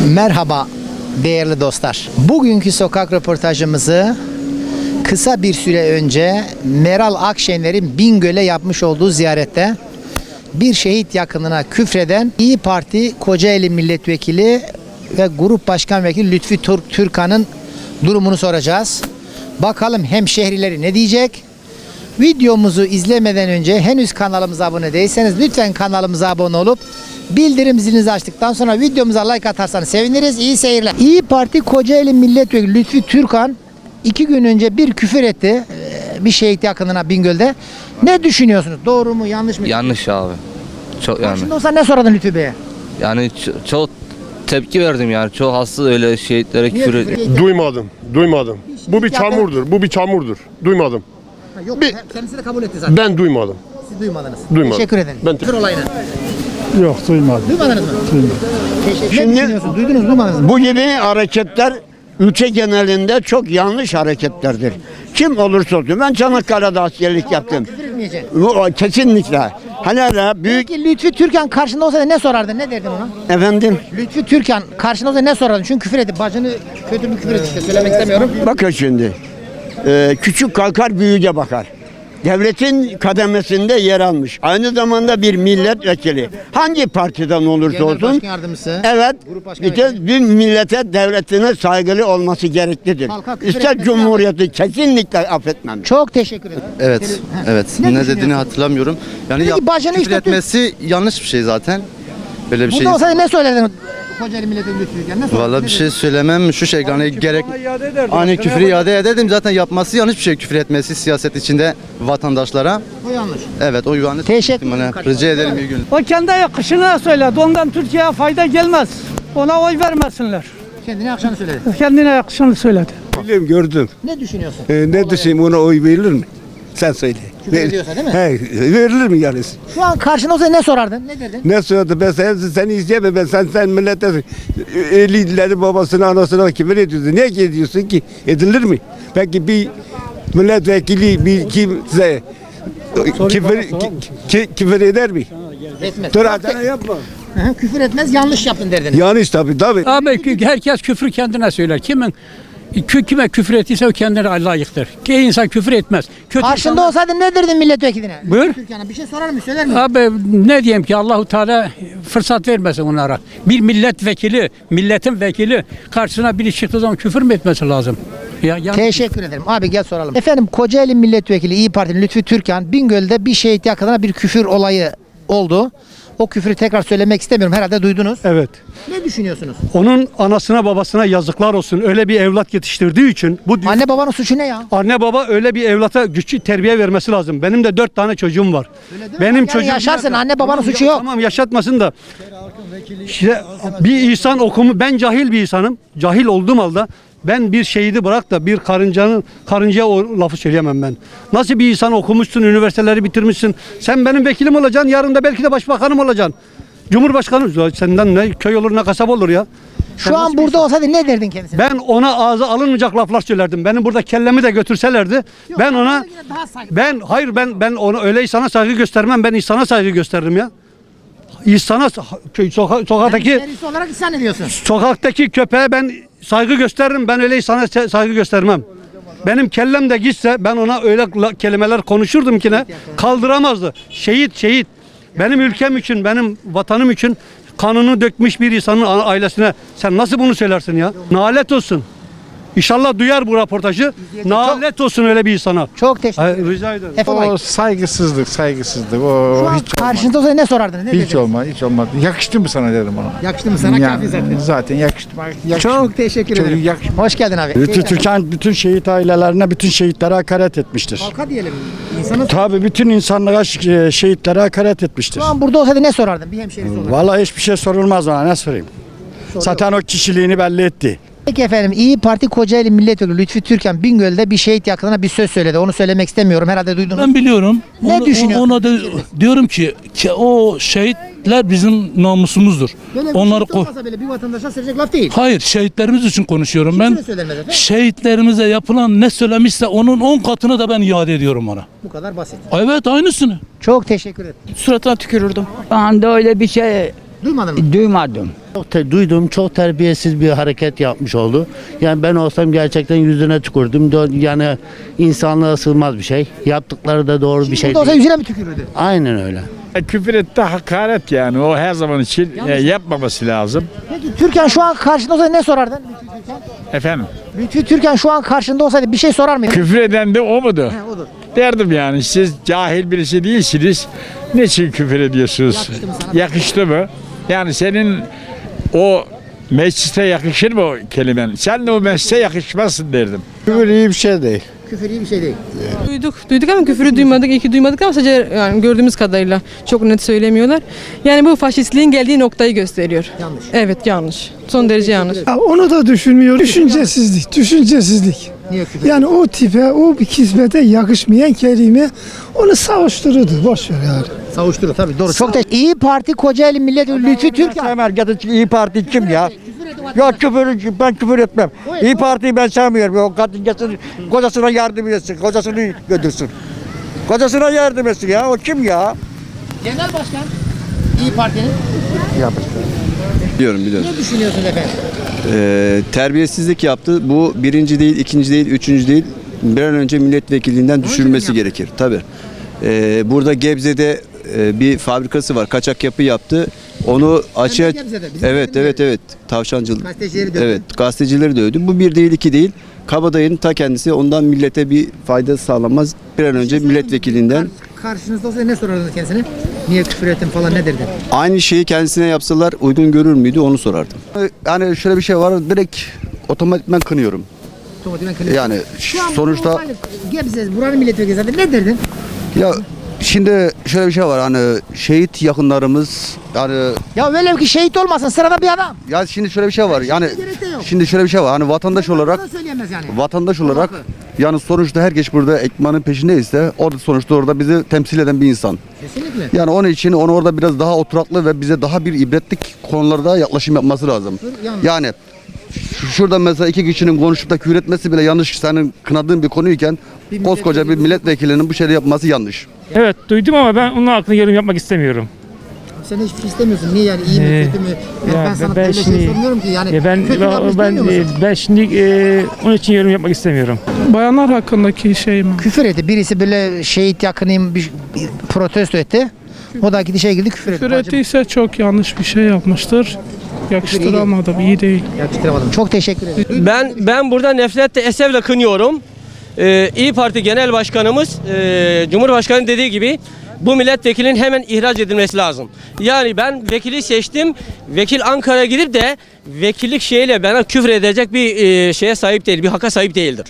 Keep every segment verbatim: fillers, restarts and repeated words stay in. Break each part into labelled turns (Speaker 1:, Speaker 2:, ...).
Speaker 1: Merhaba değerli dostlar. Bugünkü sokak röportajımızı kısa bir süre önce Meral Akşener'in Bingöl'e yapmış olduğu ziyarette bir şehit yakınına küfreden İyi Parti Kocaeli Milletvekili ve Grup Başkan Vekili Lütfi Türk Türkan'ın durumunu soracağız. Bakalım hemşehrileri ne diyecek? Videomuzu izlemeden önce henüz kanalımıza abone değilseniz lütfen kanalımıza abone olup bildirim zilinizi açtıktan sonra videomuza like atarsanız seviniriz. İyi seyirler. İyi Parti Kocaeli Milletvekili Lütfi Türkan iki gün önce bir küfür etti bir şehit yakınına Bingöl'de. Ne düşünüyorsunuz? Doğru mu yanlış mı?
Speaker 2: Yanlış abi. Çok yanlış.
Speaker 1: Şimdi olsa ne soradın Lütfi Bey'e?
Speaker 2: Yani ç- çok tepki verdim yani. Çok hasta öyle şehitlere
Speaker 1: Niye
Speaker 2: küfür
Speaker 1: küfür
Speaker 2: ediyor.
Speaker 1: etti?
Speaker 3: Duymadım, duymadım. Bu bir
Speaker 1: yaptı.
Speaker 3: çamurdur, bu bir çamurdur. Duymadım.
Speaker 1: Ha, Yok,
Speaker 3: Bir-
Speaker 1: kendisi de kabul etti zaten.
Speaker 3: Ben duymadım.
Speaker 1: Siz duymadınız.
Speaker 3: Duymadım.
Speaker 1: Teşekkür ederim.
Speaker 3: Ben-
Speaker 1: Küfür olayını.
Speaker 4: Yok duymadım.
Speaker 1: Duymadınız mı?
Speaker 4: Duymadım.
Speaker 1: Teşekkür
Speaker 5: Şimdi-
Speaker 1: Ne düşünüyorsunuz? Duydunuz mu? Duymadınız mı?
Speaker 5: Bu gibi hareketler ülke genelinde çok yanlış hareketlerdir. Kim olursa olsun. Ben Çanakkale'de askerlik yaptım.
Speaker 1: Küfür etmeyecek.
Speaker 5: Bu kesinlikle. Hani hala büyük
Speaker 1: Peki Lütfi Türkan karşında olsaydı ne sorardın? Ne derdin ona?
Speaker 5: efendim
Speaker 1: Lütfi Türkan karşında olsaydı ne sorardın? Çünkü küfür etti. Bacını kötü bir küfür etti işte. Söylemek istemiyorum.
Speaker 5: bakın şimdi. Ee, küçük kalkar büyüğe bakar. Devletin kademesinde yer almış. Aynı zamanda bir milletvekili. Hangi partiden olursa
Speaker 1: Genel
Speaker 5: olsun.
Speaker 1: Başkan Yardımcısı.
Speaker 5: Evet.
Speaker 1: Grup Başkan
Speaker 5: Bir, de bir millete, devletine saygılı olması gereklidir.
Speaker 1: Halka küfür
Speaker 5: İster
Speaker 1: etmesi
Speaker 5: cumhuriyeti kesinlikle affetmem.
Speaker 1: Çok teşekkür ederim.
Speaker 6: Evet,
Speaker 1: Ha.
Speaker 6: evet.
Speaker 1: Ne
Speaker 6: Ne,
Speaker 1: düşünüyorsun?
Speaker 6: dediğini hatırlamıyorum. Yani
Speaker 1: Dedi ki
Speaker 6: yap-
Speaker 1: bacını
Speaker 6: küfür
Speaker 1: işte-
Speaker 6: etmesi yanlış bir şey zaten. Böyle bir
Speaker 1: Burada
Speaker 6: şey.
Speaker 1: olsaydı ne söylerdin? Kocaeli Milletvekili Lütfi Türkan ne sorardın?
Speaker 6: Vallahi
Speaker 1: Ne
Speaker 6: bir şey
Speaker 1: derdin?
Speaker 6: söylemem şu şey yani gerek hani küfrü iade ederdim zaten yapması yanlış bir şey küfür etmesi siyaset içinde vatandaşlara.
Speaker 1: O yanlış.
Speaker 6: Evet o yanlış.
Speaker 1: Teşekkür
Speaker 6: Bana
Speaker 1: ederim.
Speaker 6: rica ederim iyi günler.
Speaker 7: O kendi yakışına söyledi. Ondan Türkiye'ye fayda gelmez. Ona oy vermesinler.
Speaker 1: Kendine akşamı söyledi.
Speaker 7: Kendine yakışını söyledi.
Speaker 8: Biliyorum, gördüm.
Speaker 1: Ne düşünüyorsun?
Speaker 8: Ee, ne düşüneyim, ona oy verilir mi? Sen söyle.
Speaker 1: Küfür ediyorsa değil mi?
Speaker 8: He, verilir mi yani?
Speaker 1: Şu an karşında olsaydı ne sorardın? Ne derdin?
Speaker 8: Ne söyledi? Ben sen, seni izleyemem. Ben sen sen millete elileri babasına anasına küfür ediyorsun. Niye ediyorsun ki? Edilir mi? Peki bir milletvekili bir kimse küfür, ki- ki- küfür eder mi?
Speaker 1: Etmez.
Speaker 8: Dur adana yapma.
Speaker 1: Hı hı, küfür etmez yanlış yaptın derdin.
Speaker 8: Yanlış tabii tabii.
Speaker 7: Abi herkes küfrü kendine söyler. Kimin kime küfür ettiyse o kendine layıktır. Ki insan küfür etmez. Kötü
Speaker 1: Karşında
Speaker 7: insanlar-
Speaker 1: olsaydın ne derdin milletvekiline?
Speaker 7: Buyur.
Speaker 1: Türkiye'ne bir şey sorar mı söyler mi?
Speaker 7: Abi ne diyeyim ki Allahu Teala fırsat vermesin onlara. Bir milletvekili, milletin vekili karşısına biri çıktığı zaman küfür mü etmesi lazım? Ya, ya
Speaker 1: Teşekkür ederim. Abi gel soralım. Efendim Kocaeli Milletvekili İyi Parti'nin Lütfi Türkan Bingöl'de bir şehit yakınına bir küfür olayı oldu. O küfürü tekrar söylemek istemiyorum. Herhalde duydunuz.
Speaker 4: Evet.
Speaker 1: Ne düşünüyorsunuz?
Speaker 4: Onun anasına babasına yazıklar olsun. Öyle bir evlat yetiştirdiği için bu anne,
Speaker 1: Anne babanın suçu ne ya?
Speaker 4: anne baba öyle bir evlata güçlü terbiye vermesi lazım. Benim de dört tane çocuğum var. Benim
Speaker 1: Yani
Speaker 4: çocuğum
Speaker 1: yaşarsın, anne babanın
Speaker 4: Tamam,
Speaker 1: suçu
Speaker 4: ya-
Speaker 1: yok.
Speaker 4: Tamam yaşatmasın da. İşte bir insan okumu ben cahil bir insanım. Cahil olduğum halde ben bir şehidi bırak da bir karıncanın karıncaya o lafı söyleyemem ben. Nasıl bir insan okumuşsun, üniversiteleri bitirmişsin. Sen benim vekilim olacaksın, yarın da belki de başbakanım olacaksın. Cumhurbaşkanı ya senden ne köy olur ne kasaba olur ya. Sen
Speaker 1: Şu an
Speaker 4: nasıl bir
Speaker 1: burada olsaydı ne derdin kendisine?
Speaker 4: Ben ona ağza alınmayacak laflar söylerdim. Benim burada kellemi de götürselerdi. ben ona
Speaker 1: daha saygı.
Speaker 4: ben hayır ben ben ona öyle insana saygı göstermem. Ben insana saygı gösteririm ya. İnsana köy soka, sokaktaki
Speaker 1: Serisi olarak isyan ediyorsun.
Speaker 4: sokaktaki köpeğe ben saygı gösteririm. Ben öyle insana se- saygı göstermem. Benim kellem de gitse ben ona öyle la- kelimeler konuşurdum ki ne kaldıramazdı. Şehit şehit. Benim ülkem için, benim vatanım için kanını dökmüş bir insanın a- ailesine sen nasıl bunu söylersin ya? Nalet olsun. İnşallah duyar bu röportajı. Nalet olsun öyle bir insana.
Speaker 1: Çok teşekkür
Speaker 4: Ay,
Speaker 1: ederim.
Speaker 4: rica ederim.
Speaker 1: Efe Bay,
Speaker 9: O saygısızlık, saygısızlık. O
Speaker 1: şu an
Speaker 9: hiç
Speaker 1: karşında olsaydı ne sorardın? Ne
Speaker 9: hiç
Speaker 1: derdin?
Speaker 9: olmaz, hiç olmaz. Yakıştı mı sana derim ona.
Speaker 1: Yakıştı mı sana?
Speaker 9: Yani
Speaker 1: Kafi zaten.
Speaker 9: zaten yakıştı. yakıştı.
Speaker 1: Çok teşekkür
Speaker 9: Çok
Speaker 1: ederim.
Speaker 9: yakış-
Speaker 1: Hoş geldin abi.
Speaker 4: Lütfü Türkan bütün şehit ailelerine, bütün şehitlere hakaret etmiştir.
Speaker 1: Halka diyelim. İnsanın
Speaker 4: Tabii bütün insanlığa ş- şehitlere hakaret etmiştir.
Speaker 1: şu an burada olsaydı ne sorardın? Bir hemşerisi olarak.
Speaker 4: Vallahi hiçbir şey sorulmaz bana ne sorayım. Zaten o kişiliğini belli etti.
Speaker 1: Peki efendim İyi Parti Kocaeli Milletvekili Lütfi Türkan Bingöl'de bir şehit yakınına bir söz söyledi. Onu söylemek istemiyorum. Herhalde duydunuz.
Speaker 10: Ben biliyorum.
Speaker 1: Ne
Speaker 10: Onu-
Speaker 1: düşünüyorsun?
Speaker 10: Ona da diyorum ki, ki o şehitler bizim namusumuzdur.
Speaker 1: Böyle bir
Speaker 10: Onları
Speaker 1: şehit
Speaker 10: ko-
Speaker 1: olmasa bile bir vatandaşa söyleyecek laf değil.
Speaker 10: Hayır, şehitlerimiz için konuşuyorum ben.
Speaker 1: Kimse de söylenmez efendim.
Speaker 10: Şehitlerimize yapılan ne söylemişse onun on katını da ben iade ediyorum ona.
Speaker 1: Bu kadar basit.
Speaker 10: Evet, aynısını.
Speaker 1: Çok teşekkür ederim.
Speaker 11: Suratına tükürürdüm. Ben de öyle bir şey
Speaker 1: Duymadın mı?
Speaker 11: Duymadım. Çok te- duydum, çok terbiyesiz bir hareket yapmış oldu. Yani ben olsam gerçekten yüzüne tükürdüm. Do- Yani insanlığa sığmaz bir şey. Yaptıkları da doğru bir şey
Speaker 1: Burada olsa
Speaker 11: değil.
Speaker 1: yüzüne mi tükürürdü?
Speaker 11: Aynen öyle.
Speaker 9: Küfür etti hakaret yani. O her zaman için e, yapmaması lazım.
Speaker 1: Peki Türkan şu an karşında olsaydı ne sorardın? Lütfü Türkan.
Speaker 9: Efendim?
Speaker 1: Lütfü Türkan şu an karşında olsaydı bir şey sorar mıydın?
Speaker 9: Küfür eden de o mudur?
Speaker 1: He, odur.
Speaker 9: Derdim yani siz cahil birisi değilsiniz. Niçin küfür ediyorsunuz?
Speaker 1: Yakıştı mı sana?
Speaker 9: Yakıştı mı? Yani senin o meclise yakışır mı o kelimen? Sen de o meclise yakışmazsın derdim.
Speaker 8: Küfür iyi bir şey değil.
Speaker 1: Küfür iyi bir şey değil.
Speaker 12: Duyduk, duyduk ama küfürü duymadık, iki duymadık ama sadece yani gördüğümüz kadarıyla çok net söylemiyorlar. Yani bu faşistliğin geldiği noktayı gösteriyor.
Speaker 1: Yanlış.
Speaker 12: Evet, yanlış. Son derece yanlış.
Speaker 13: Onu da düşünmüyor. Düşüncesizlik, düşüncesizlik.
Speaker 1: Niye küfür?
Speaker 13: Yani o tipe, o bir kismete yakışmayan kelime onu savuştururdu. Boş ver yani.
Speaker 1: Savuşturur tabii doğru. Çok teşekkür İyi Parti Kocaeli Milletvekili Lütfü Türkan.
Speaker 5: İyi Parti kim ya? Ya küfür, ben küfür etmem. İyi Parti'yi ben sevmiyorum. O kadın gelsin, kocasına yardım etsin, kocasını götürsün. Kocasına yardım etsin ya. O kim ya?
Speaker 1: Genel Başkan İyi Parti'nin.
Speaker 6: Biliyorum biliyorum.
Speaker 1: Ne düşünüyorsunuz efendim?
Speaker 6: Ee, terbiyesizlik yaptı. Bu birinci değil, ikinci değil, üçüncü değil. Bir an önce milletvekilliğinden düşürülmesi gerekir. Tabii. Ee, burada Gebze'de e, bir fabrikası var. Kaçak yapı yaptı. Onu açığa...
Speaker 1: Gebze'de, bizim
Speaker 6: Evet,
Speaker 1: bizim
Speaker 6: evet, evet. Tavşancılık.
Speaker 1: Gazetecileri dövdü.
Speaker 6: Evet, gazetecileri dövdü. Bu bir değil, iki değil. Kabadayının ta kendisi. Ondan millete bir fayda sağlanmaz. Bir an önce milletvekilinden...
Speaker 1: Karşınızda olsaydı ne sorardınız kendisine? Niye küfür ettin falan ne derdin?
Speaker 6: Aynı şeyi kendisine yapsalar uygun görür müydü onu sorardım. Yani şöyle bir şey var, direkt otomatikman kınıyorum.
Speaker 1: Otomatikman kınıyorsun.
Speaker 6: Yani
Speaker 1: Şu an
Speaker 6: sonuçta
Speaker 1: bu hani Gebze, buranın milletvekili zaten ne derdin?
Speaker 6: ya şimdi şöyle bir şey var, hani şehit yakınlarımız yani
Speaker 1: Ya velev ki şehit olmasın sırada bir adam.
Speaker 6: ya şimdi şöyle bir şey var yani
Speaker 1: gerek de yok.
Speaker 6: şimdi şöyle bir şey var, hani vatandaş olarak
Speaker 1: Bunu söyleyemez yani.
Speaker 6: vatandaş olarak yani sonuçta herkes burada ekmeğinin peşindeyse orada sonuçta orada bizi temsil eden bir insan.
Speaker 1: Kesinlikle.
Speaker 6: Yani onun için onu orada biraz daha oturaklı ve bize daha bir ibretlik konularda yaklaşım yapması lazım.
Speaker 1: Yanlış.
Speaker 6: Yani şu- şurada mesela iki kişinin konuşup da küfür etmesi bile yanlış, senin kınadığın bir konuyken
Speaker 1: Bir
Speaker 6: koskoca bir milletvekilinin bu şeyi yapması yanlış.
Speaker 10: Evet duydum ama ben onun hakkında yorum yapmak istemiyorum.
Speaker 1: Sen hiçbir şey istemiyorsun. Niye yani iyi mi
Speaker 10: Ee,
Speaker 1: kötü mü? Ben,
Speaker 10: ya
Speaker 1: ben sana
Speaker 10: ben
Speaker 1: böyle şey
Speaker 10: şimdi-
Speaker 1: sormuyorum ki yani.
Speaker 10: Ya ben
Speaker 1: kötü yapmış
Speaker 10: ben
Speaker 1: demiyor
Speaker 10: ben,
Speaker 1: musun?
Speaker 10: ben şimdi e, onun için yorum yapmak istemiyorum.
Speaker 13: Bayanlar hakkındaki şey mi?
Speaker 1: Küfür etti. Birisi böyle şehit yakınıyım bir, bir protesto etti. O da gidi şey girdi küfür etti.
Speaker 13: Küfür ettiyse çok yanlış bir şey yapmıştır. Yakıştıramadım, iyi değil.
Speaker 1: Yakıştıramadım. Çok teşekkür ederim.
Speaker 11: Ben ben burada nefretle esefle kınıyorum. Ee, İyi Parti Genel Başkanımız e, Cumhurbaşkanı dediği gibi bu milletvekilinin hemen ihraç edilmesi lazım. Yani ben vekili seçtim. Vekil Ankara'ya gidip de vekillik şeyiyle bana küfür edecek bir e, şeye sahip değil, bir haka sahip değildir.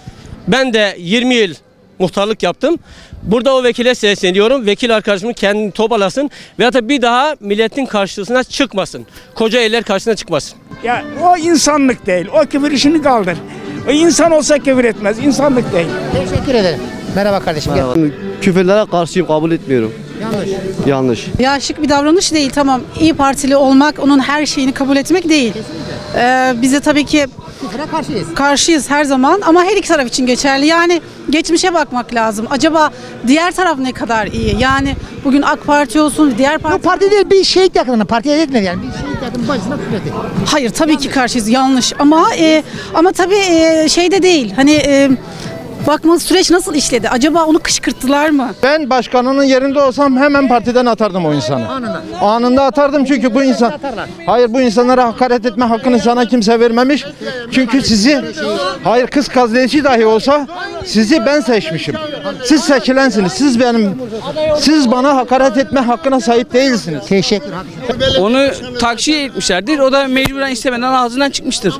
Speaker 11: Ben de yirmi yıl muhtarlık yaptım. Burada o vekile sesleniyorum. Vekil arkadaşımı kendini toparlasın ve da bir daha milletin karşısına çıkmasın. Koca eller karşısına çıkmasın.
Speaker 13: Ya o insanlık değil. O küfür işini kaldır. O insan olsa küfür etmez. İnsanlık değil.
Speaker 1: Teşekkür ederim. Merhaba kardeşim. Gel.
Speaker 6: Küfürlere karşıyım, kabul etmiyorum.
Speaker 1: Yanlış.
Speaker 6: Yanlış.
Speaker 12: Ya şık bir davranış değil, tamam. İyi Partili olmak, onun her şeyini kabul etmek değil. Ee, bize tabii ki
Speaker 1: Küfüre karşıyız.
Speaker 12: karşıyız her zaman ama her iki taraf için geçerli. Yani geçmişe bakmak lazım. Acaba diğer taraf ne kadar iyi? Yani bugün AK Parti olsun, diğer
Speaker 1: Bu
Speaker 12: parti...
Speaker 1: parti değil bir şehit yakınına partiye etmedi yani. Bir şehit yakının başına küfür etti.
Speaker 12: Hayır tabii ki karşıyız, yanlış. Ama e, ama tabii e, şey de değil. Hani e, bakma süreç nasıl işledi? Acaba onu kışkırttılar mı?
Speaker 8: Ben başkanının yerinde olsam hemen partiden atardım o insanı.
Speaker 1: Anında.
Speaker 8: Anında atardım çünkü bu insan
Speaker 1: Atarlar.
Speaker 8: hayır bu insanlara hakaret etme hakkını sana kimse vermemiş. Çünkü sizi hayır kız gazeteci dahi olsa sizi ben seçmişim. Siz seçilensiniz. Siz benim siz bana hakaret etme hakkına sahip değilsiniz.
Speaker 1: Teşekkür ederim.
Speaker 11: Onu takşiye etmişlerdir. O da mecburen istemeden ağzından çıkmıştır.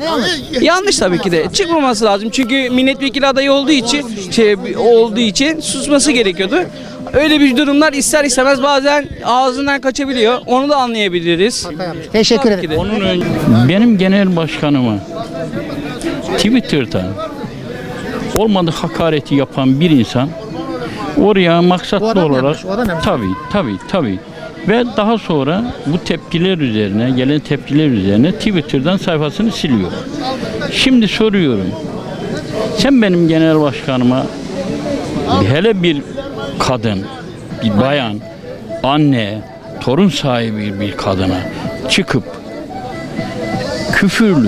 Speaker 11: Yanlış tabii ki de. Çıkmaması lazım. Çünkü milletvekili adayı olduğu için şey olduğu için susması gerekiyordu. Öyle bir durumlar ister istemez bazen ağzından kaçabiliyor. Onu da anlayabiliriz.
Speaker 1: Teşekkür ederim.
Speaker 10: Benim genel başkanıma Twitter'da olmadık hakareti yapan bir insan oraya
Speaker 1: O
Speaker 10: maksatlı
Speaker 1: adam
Speaker 10: olarak
Speaker 1: yapmış, o adam yapmış.
Speaker 10: tabii tabii tabii ve daha sonra bu tepkiler üzerine gelen tepkiler üzerine Twitter'dan sayfasını siliyor. Şimdi soruyorum. Sen benim genel başkanıma hele bir kadın, bir bayan, anne torun sahibi bir kadına çıkıp küfürlü,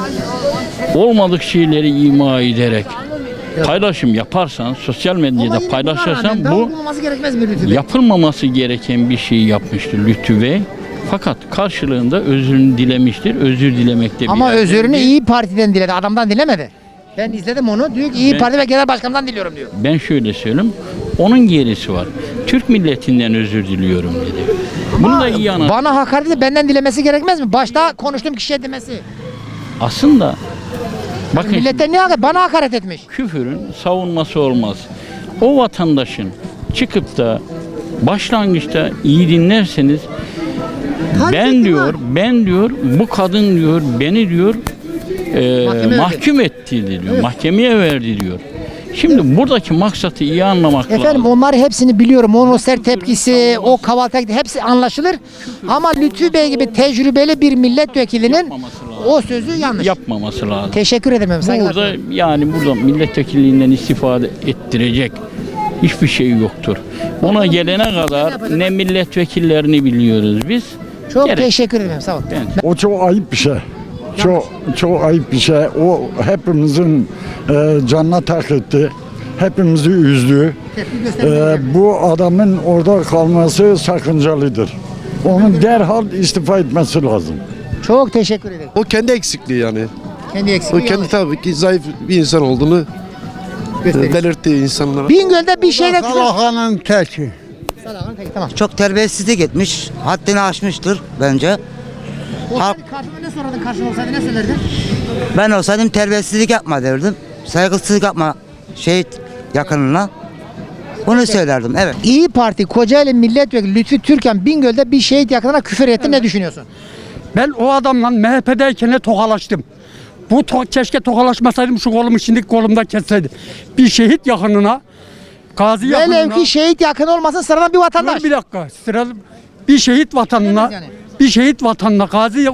Speaker 10: olmadık şeyleri ima ederek paylaşım yaparsan, sosyal medyada paylaşırsan bu
Speaker 1: gerekmez mi Lütfü Bey?
Speaker 10: yapılmaması gereken bir şey yapmıştır Lütfü Bey. Fakat karşılığında özrünü dilemiştir. Özür dilemekte bir
Speaker 1: Ama
Speaker 10: yer
Speaker 1: özürünü
Speaker 10: değil.
Speaker 1: İyi Parti'den diledi. Adamdan dilemedi. Ben izledim onu. Diyor ki İyi
Speaker 10: Ben-
Speaker 1: Parti ve Genel Başkan'dan diliyorum diyor.
Speaker 10: Ben şöyle söyleyeyim. Onun gerisi var. Türk milletinden özür diliyorum dedi. Bunu da iyi anlat.
Speaker 1: Bana hakaret edip benden dilemesi gerekmez mi? Başta konuştuğum kişiye demesi.
Speaker 10: Aslında bakın
Speaker 1: Milletten ne hakaret? Bana hakaret etmiş.
Speaker 10: küfürün savunması olmaz. O vatandaşın çıkıp da başlangıçta iyi dinlerseniz ben diyor, ben diyor, bu kadın diyor, beni diyor e,
Speaker 1: Mahkeme
Speaker 10: mahkum etti diyor, mahkemeye verdi diyor. Şimdi buradaki maksatı iyi anlamak
Speaker 1: Efendim
Speaker 10: lazım.
Speaker 1: onları hepsini biliyorum. Onun o sert tepkisi, o kavalta hepsi anlaşılır. Ama Lütfü Bey gibi tecrübeli bir milletvekilinin
Speaker 10: Yapmaması lazım.
Speaker 1: o sözü yanlış.
Speaker 10: Yapmaması lazım.
Speaker 1: Teşekkür ederim. efendim, saygılar
Speaker 10: Burada
Speaker 1: sunarım.
Speaker 10: yani burada milletvekilliğinden istifade ettirecek hiçbir şey yoktur. Ona gelene kadar ne milletvekillerini biliyoruz biz.
Speaker 1: Çok
Speaker 10: Gerek.
Speaker 1: teşekkür ederim. Sağ olun.
Speaker 10: Ben-
Speaker 8: O çok ayıp bir şey. Çok çok ayıp bir şey. O hepimizin e, canına tak etti. Hepimizi üzdü.
Speaker 1: Tepki göstermeniz
Speaker 8: E, bu adamın orada kalması sakıncalıdır. Onun derhal istifa etmesi lazım.
Speaker 1: Çok teşekkür ederim.
Speaker 14: O kendi eksikliği yani.
Speaker 1: Kendi
Speaker 14: O
Speaker 1: eksikliği
Speaker 14: kendi
Speaker 1: yanlış.
Speaker 14: tabii ki zayıf bir insan olduğunu
Speaker 1: Gösteriyor.
Speaker 14: belirtti insanlara.
Speaker 1: Bingöl'de bir şeyle güzel.
Speaker 5: Salahanın teki.
Speaker 1: Salah'ın peki tamam.
Speaker 5: Çok terbiyesizlik etmiş. Haddini aşmıştır bence.
Speaker 1: Olsaydı karşıma ne sorardın? Karşıma olsaydı ne söylerdin?
Speaker 5: Ben olsaydım terbiyesizlik yapma derdim. Saygısızlık yapma şehit yakınına. Bunu söylerdim evet.
Speaker 1: İyi Parti Kocaeli Milletvekili Lütfü Türkan Bingöl'de bir şehit yakınına küfür etti. Ne düşünüyorsun?
Speaker 4: Ben o adamla M H P'deyken tokalaştım. Bu to- keşke tokalaşmasaydım şu kolumu şimdi kolumda kesseydi. Bir şehit yakınına, gazi yakınına.
Speaker 1: Velev ki şehit yakın olmasın sıradan bir vatandaş.
Speaker 4: Dur bir dakika. Sıra bir şehit vatanına,
Speaker 1: Yani.
Speaker 4: bir şehit vatanına, gazi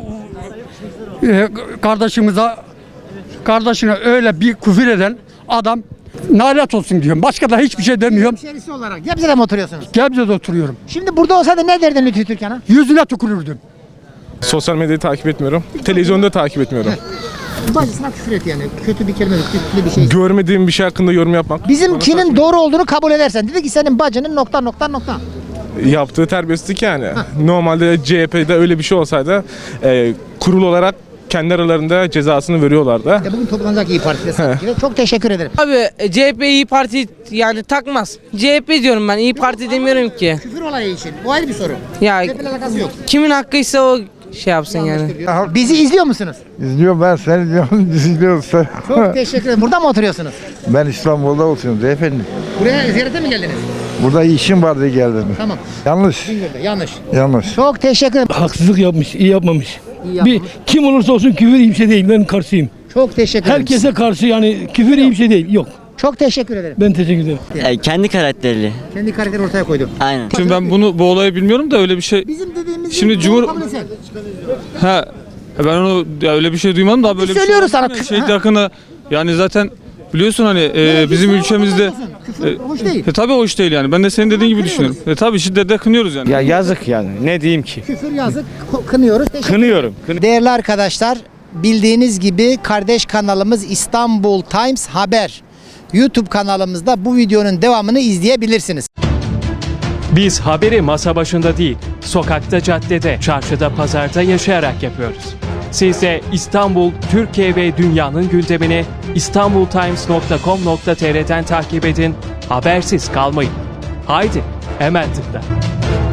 Speaker 4: e, kardeşimize, kardeşine öyle bir küfür eden adam nalet olsun diyorum. Başka da hiçbir şey demiyorum.
Speaker 1: Hemşerisi olarak. Gebze'de mi oturuyorsunuz?
Speaker 4: Gebze'de oturuyorum.
Speaker 1: Şimdi burada olsaydı ne derdin Lütfü Türkan'a?
Speaker 4: Yüzüne tükürürdüm.
Speaker 15: Sosyal medyayı takip etmiyorum. Televizyonda takip etmiyorum.
Speaker 1: Bacısına küfür etti yani. Kötü bir kelime, kötü bir şey.
Speaker 15: Görmediğim bir şey hakkında yorum yapmak.
Speaker 1: Bizimkinin doğru olduğunu kabul edersen. Dedi ki senin bacının nokta nokta nokta.
Speaker 15: Yaptığı terbiyesizlik yani. Normalde C H P'de öyle bir şey olsaydı e, kurul olarak kendi aralarında cezasını veriyorlardı.
Speaker 1: Ya bugün toplanacak İyi Parti'de sanki. Çok teşekkür ederim.
Speaker 11: Abi C H P İyi Parti yani takmaz. C H P diyorum ben, İyi Parti demiyorum ki.
Speaker 1: Küfür olayı için. Bu ayrı bir soru.
Speaker 11: Ya
Speaker 1: C H P'yle alakası yok.
Speaker 11: kimin hakkıysa o şey yapsın yani.
Speaker 1: Bizi izliyor musunuz?
Speaker 8: İzliyorum ben seni izliyorum sen.
Speaker 1: Çok teşekkür ederim. Burada mı oturuyorsunuz?
Speaker 8: Ben İstanbul'da oturuyorum efendim.
Speaker 1: Buraya ziyarete mi geldiniz?
Speaker 8: Burada işim vardı geldim.
Speaker 1: Tamam.
Speaker 8: Yanlış.
Speaker 1: Bingöl'de. Yanlış.
Speaker 8: Yanlış.
Speaker 1: Çok teşekkür ederim.
Speaker 7: Haksızlık yapmış, iyi yapmamış.
Speaker 1: İyi yapmış.
Speaker 7: kim olursa olsun küfür iyi bir şey değil. Ben karşıyım.
Speaker 1: Çok teşekkür ederim.
Speaker 7: karşı yani küfür iyi bir şey değil. Yok.
Speaker 1: Çok teşekkür ederim.
Speaker 7: Ben teşekkür ederim.
Speaker 2: kendi karakterli.
Speaker 1: Kendi karakteri ortaya koydum.
Speaker 2: Aynen.
Speaker 15: Şimdi ben bunu bu olayı bilmiyorum da öyle bir şey.
Speaker 1: Bizim dediğimiz
Speaker 15: Şimdi
Speaker 1: doğru
Speaker 15: Cumhur-
Speaker 1: kabul etsen.
Speaker 15: Ha ben onu ya öyle bir şey duymadım da böyle bir şey.
Speaker 1: söylüyoruz sana.
Speaker 15: olmaz mı? Şehit
Speaker 1: Ha.
Speaker 15: yakını yani zaten biliyorsun hani e, bizim
Speaker 1: Küfür
Speaker 15: ülkemizde
Speaker 1: olmasın. Küfür hoş değil.
Speaker 15: e, tabii hoş değil yani. Ben de senin dediğin gibi düşünüyorum. E, tabii şiddetle kınıyoruz yani.
Speaker 9: Ya yazık yani. Ne diyeyim ki?
Speaker 1: Küfür yazık. ko- Kınıyoruz. Teşekkür
Speaker 9: Kınıyorum.
Speaker 1: Değerli arkadaşlar, bildiğiniz gibi kardeş kanalımız İstanbul Times Haber YouTube kanalımızda bu videonun devamını izleyebilirsiniz.
Speaker 16: Biz haberi masa başında değil, sokakta, caddede, çarşıda, pazarda yaşayarak yapıyoruz. Siz de İstanbul, Türkiye ve dünyanın gündemini istanbul times nokta com nokta tr'den takip edin, habersiz kalmayın. Haydi, hemen tıkla.